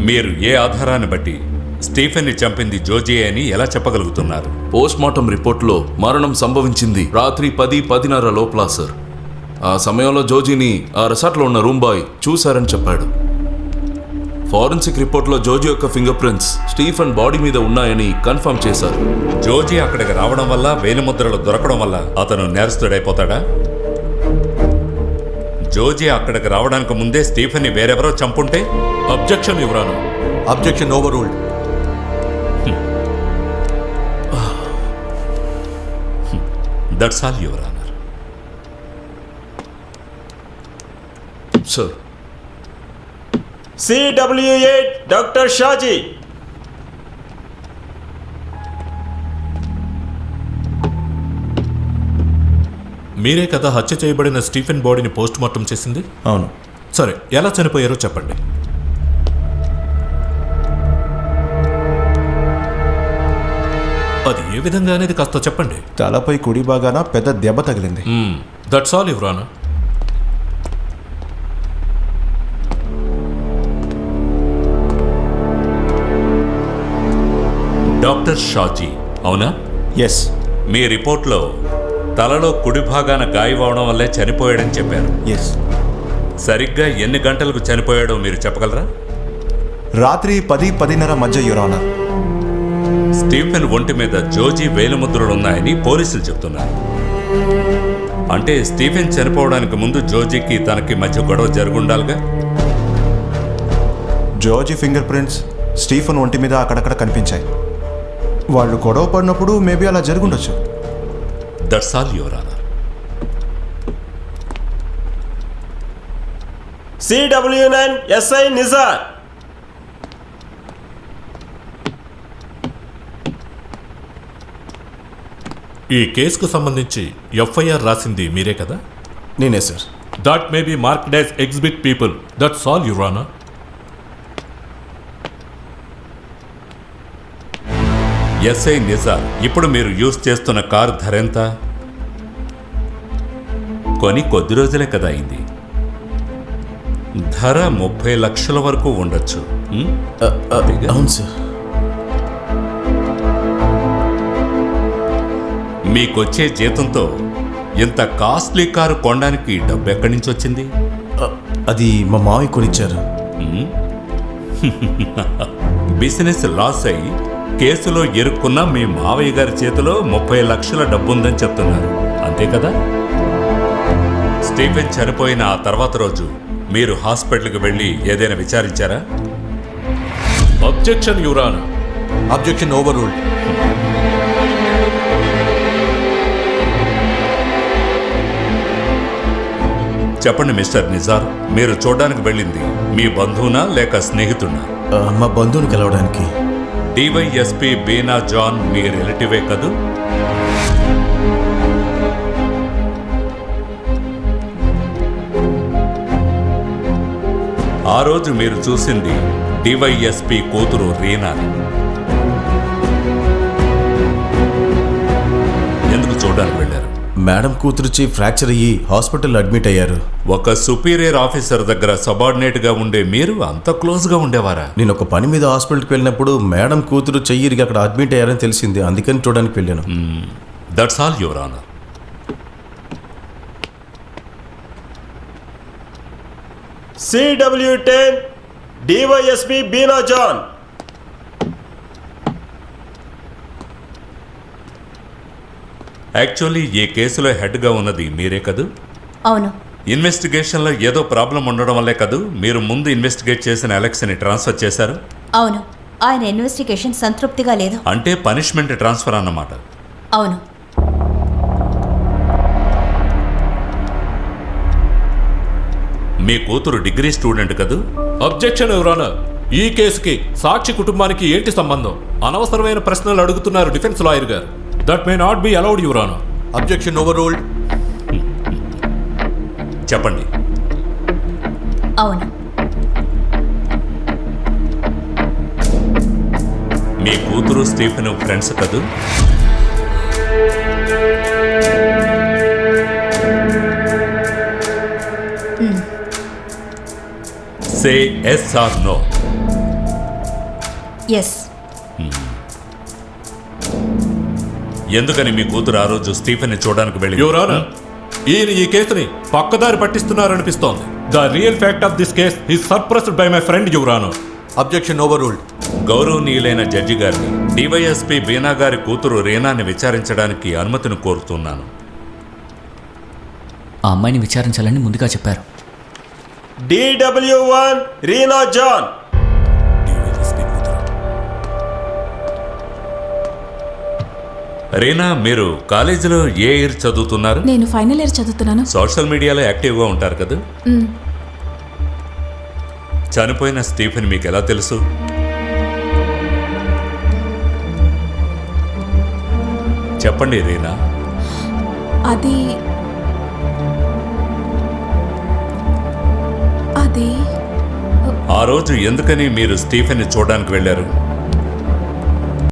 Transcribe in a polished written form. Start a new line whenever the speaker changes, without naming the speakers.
మీరు ఏ ఆధారాన్ని బట్టి స్టీఫెన్ని చంపింది జోజీ అని ఎలా చెప్పగలుగుతున్నారు?
పోస్ట్మార్టం రిపోర్ట్లో మరణం సంభవించింది రాత్రి 10:10:30 లోపల సార్. ఆ సమయంలో జోజీని ఆ రిసార్ట్లో ఉన్న రూమ్ బాయ్ చూశారని చెప్పాడు. ఫారెన్సిక్ రిపోర్ట్లో జోజీ యొక్క ఫింగర్ ప్రింట్స్ స్టీఫెన్ బాడీ మీద ఉన్నాయని కన్ఫర్మ్ చేశారు.
జోజీ అక్కడికి రావడం వల్ల వేలిముద్రలు దొరకడం వల్ల అతను నేరస్తుడైపోతాడా? జోజీ అక్కడికి రావడానికి ముందే స్టీఫెన్ని వేరెవరో చంపుంటే?
Objection యువరానా.
Objection overruled.
That's all your honour.
Sir,
CW8 doctor Shaji.
మీరే కదా హత్య చేయబడిన స్టీఫెన్ బాడీని పోస్ట్ మార్టం చేసింది?
అవును.
సరే, ఎలా చనిపోయారో చెప్పండి. అది ఏ విధంగా అనేది కాస్త చెప్పండి.
తలపై కుడి భాగాన పెద్ద దెబ్బ తగిలింది.
That's all your honour.
Doctor Shaji, అవునా?
ఎస్.
మీ రిపోర్ట్లో తలలో కుడి భాగాన గాయమవడం వల్లే చనిపోయాడని చెప్పారు.
ఎస్.
సరిగ్గా ఎన్ని గంటలకు చనిపోయాడో మీరు చెప్పగలరా?
రాత్రి 10-10:30 మధ్య యువరానా.
స్టీఫెన్ ఒంటి మీద జోజీ వేలిముద్రలున్నాయని పోలీసులు చెప్తున్నారు. అంటే స్టీఫెన్ చనిపోవడానికి ముందు జోజీకి తనకి మధ్య గొడవ జరుగుండాలిగా?
జోర్జీ ఫింగర్ ప్రింట్స్ స్టీఫెన్ ఒంటి మీద అక్కడక్కడ కనిపించాయి. వాళ్ళు గొడవ పడినప్పుడు మేబీ అలా జరుగుండొచ్చు.
That's all your honour.
CW9 SI Nizar.
ఈ కేసుకు సంబంధించి FIR రాసింది మీరే కదా?
నేనే sir.
That may be marked as exhibit people. That's all your honour.
SI Nizar, ఇప్పుడు మీరు యూజ్ చేస్తున్న కారు ధర ఎంత? కొని కొద్ది రోజులే కదా అయింది. ధర 30 లక్షల వరకు ఉండొచ్చు.
అవును సార్.
మీకొచ్చే జీతంతో ఇంత కాస్ట్లీ కారు కొనడానికి డబ్బు ఎక్కడి నుంచి వచ్చింది?
అది మా మావయ్య కొనిచ్చారు.
బిజినెస్ లాస్ అయి కేసులో ఇరుక్కున్న మీ మావయ్య గారి చేతిలో 30 లక్షల డబ్బుందని చెప్తున్నారు, అంతే కదా? స్టీఫెన్ చనిపోయిన ఆ తర్వాత రోజు మీరు హాస్పిటల్కి వెళ్ళి ఏదైనా విచారించారా?
అబ్జెక్షన్ యువరానా.
Objection overruled.
చెప్పండి మిస్టర్ నిజార్, మీరు చూడడానికి వెళ్ళింది మీ బంధువునా లేక స్నేహితున్నా?
మా బంధువుని కలవడానికి.
DYSP బీనా జాన్ మీ రిలేటివే కదూ? ఆ రోజు మీరు చూసింది DYSP కూతురు రీనాని. ఎందుకు చూడడానికి వెళ్ళారు?
మేడం కూతురుచి ఫ్రాక్చర్ అయ్యి హాస్పిటల్లో అడ్మిట్ అయ్యారు.
ఒక సుపీరియర్ ఆఫీసర్ దగ్గర సబార్డినేట్గా ఉండే మీరు అంత క్లోజ్గా ఉండేవారా?
నేను ఒక పని మీద హాస్పిటల్కి వెళ్ళినప్పుడు మేడం కూతురు చెయ్యిరిగి అక్కడ అడ్మిట్ అయ్యారని తెలిసింది, అందుకని చూడడానికి వెళ్ళాను.
That's all your honour.
CW10 DYSP Beena John.
Actually ఈ కేసులో హెడ్గా ఉన్నది మీరే కదూ?
అవును.
ఇన్వెస్టిగేషన్లో ఏదో ప్రాబ్లం ఉండడం వల్లే కదూ మీరు ముందు ఇన్వెస్టిగేట్ చేసిన అలెక్స్ని ట్రాన్స్ఫర్ చేశారు?
అవును, ఆయన ఇన్వెస్టిగేషన్ సంతృప్తిగా లేదు.
అంటే పనిష్మెంట్ ట్రాన్స్ఫర్ అన్నమాట.
అవును.
మీ కూతురు డిగ్రీ స్టూడెంట్ కదూ?
Objection your honour. ఈ కేసుకి సాక్షి కుటుంబానికి ఏంటి సంబంధం? అనవసరమైన ప్రశ్నలు అడుగుతున్నారు డిఫెన్స్ లాయర్ గారు. That may not be allowed your honour.
Objection overruled.
చెప్పండి.
అవును.
మీ కూతురు స్టీఫెన్ ఫ్రెండ్స్ కదూ? Say yes or no.
Yes.
ఎందుకని మీ కూతురు ఆ రోజు స్టీఫెన్ని చూడడానికి వెళ్ళి
యువర్ ఆనర్, ఈయన ఈ కేసుని పక్కదారి పట్టిస్తున్నారనిపిస్తోంది. The real fact of this case is suppressed by my friend your honour.
Objection overruled.
గౌరవనీయులైన జడ్జి గారిని డివైఎస్పీ బీనా గారి కూతురు రీనాని విచారించడానికి అనుమతిని కోరుతున్నాను.
ఆ అమ్మాయిని విచారించాలని ముందుగా చెప్పారు.
DW1 Reena John.
రీనా, మీరు కాలేజీలో ఏ ఇయర్ చదువుతున్నారు?
నేను ఫైనల్ ఇయర్ చదువుతున్నాను.
సోషల్ మీడియాలో యాక్టివ్గా ఉంటారు కదా? చనిపోయిన స్టీఫెన్ మీకు ఎలా తెలుసు? చెప్పండి రీనా.
అది
ఆ రోజు ఎందుకని మీరు స్టీఫెన్ని చూడడానికి వెళ్ళారు?